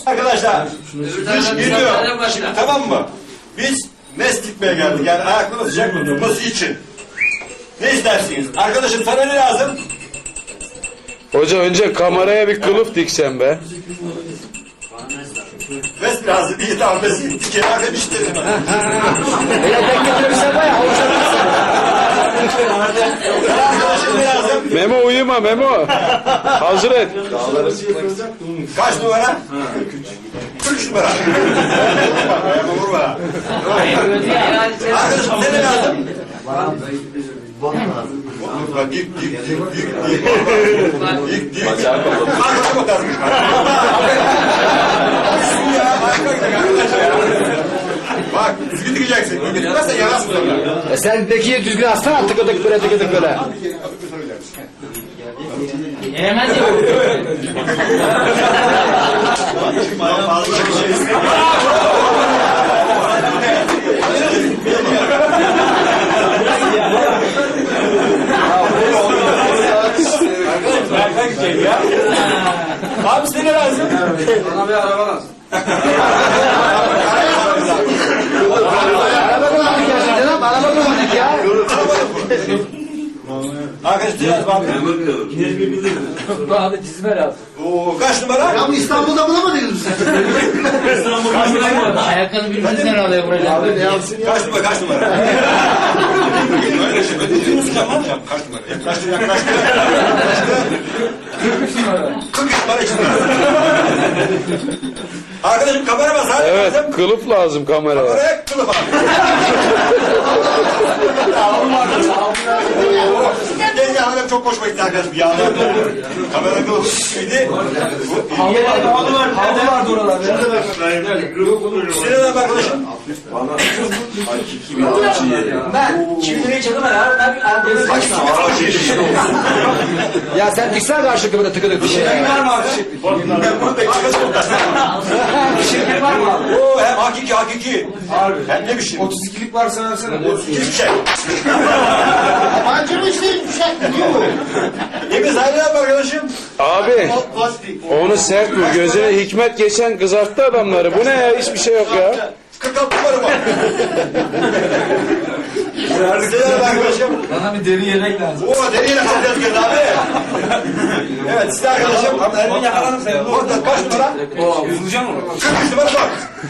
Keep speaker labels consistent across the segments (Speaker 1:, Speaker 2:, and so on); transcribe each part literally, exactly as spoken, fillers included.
Speaker 1: Arkadaşlar, kış geliyor. Şimdi tamam mı? Biz mest gitmeye geldik. Yani ayaklarını sıcak tutması için. Ne istersiniz? Arkadaşım sana ne lazım?
Speaker 2: Hoca önce kameraya bir kılıf diksen be.
Speaker 1: Mest lazım. İyi tamam mest gittik. Kenara demiştim. Arkadaşım ne lazım?
Speaker 2: Memo uyuma Memo. Hazır et.
Speaker 1: Kaç numara? kırk üç numara. Ayağıma vurma. Arkadaşım ne ne lazım? Dik dik dik dik dik. Dik dik. Arkadaşa bakarmış. Ya arka gidelim arkadaşlar ya. Bak düzgün dikeceksin. Düzgün dikmezsen yanarsın sonra.
Speaker 3: E sen dekiye düzgün atsana, tıkıdık böyle tıkıdık böyle.
Speaker 4: Yemez ya.
Speaker 1: Fazla bir şey istemiyorum. Berkan gidecek ya. Abi size ne lazım?
Speaker 5: Bana bir araba lazım.
Speaker 3: Araba kullandık ya şimdi lan, araba kullandık ya.
Speaker 1: Arkadaş ne lazım abi?
Speaker 4: Bana çizme lazım.
Speaker 1: Oo, kaç numara?
Speaker 6: Ya bu İstanbul'da bulamadınız mı sen?
Speaker 4: Ayakkabı birbirimizden alıyor buraya.
Speaker 6: Abi ne yapsın ya?
Speaker 1: Kaç numara? Kaç numara? Öyle şey. Öyle uzun uzun yapmam ya. Kaç numara? Yaklaştı yaklaştı.
Speaker 4: kırk üç numara.
Speaker 1: kırk üç numara için. Arkadaşım kamera bas. Hadi
Speaker 2: Evet
Speaker 1: lazım.
Speaker 2: kılıf lazım kameraya.
Speaker 1: Kameraya kılıf abi. Gel ya hanım çok hoşuma gitti arkadaşım. Yağlar kamera kılıf gibiydi.
Speaker 5: Halı var. Halı vardı oralarda.
Speaker 1: Sinan abi arkadaşım.
Speaker 5: Ben çivi liraya çaldım herhalde. Ben bir
Speaker 1: Kaç numara?
Speaker 3: Ya sen diksene karşılıklı böyle tıkıdık bir şey.
Speaker 5: var mı abi? Şirket var mı abi?
Speaker 1: Oo hem hakiki hakiki.
Speaker 5: Harbi.
Speaker 1: Hem ne biçim?
Speaker 5: otuz ikilik varsa versene.
Speaker 1: Hiçbir şey.
Speaker 6: Yabancı mı işte yumuşak diyor bu.
Speaker 1: Yemin sahibi ne yapar arkadaşım?
Speaker 2: Abi
Speaker 6: Plastik.
Speaker 2: onu sert vur. Gözüne hikmet geçen kızarttı adamları. Bu ne ya? Hiçbir şey yok ya.
Speaker 1: kırk altı numara var. Sinan abi arkadaşım.
Speaker 5: Bana bir deri yelek lazım.
Speaker 1: Oo deriyle kalacağız kız abi. Evet size arkadaşım.
Speaker 5: Elimi yakalarım seni.
Speaker 1: Orada kaç numara?
Speaker 5: Oo, vuracağım mı?
Speaker 1: kırk üç numara bak.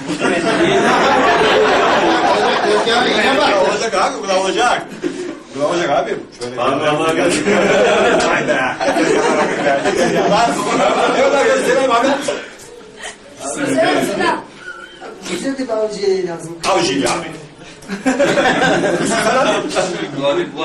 Speaker 6: Yani yine bak.
Speaker 1: Olacak abi bu da olacak. Bu da olacak abi. Şöyle Allah'a gelsin. Hayda. Evet arkadaşlar Sinan abi.
Speaker 6: Bize de bir avcıya lazım.
Speaker 1: Avcı abi.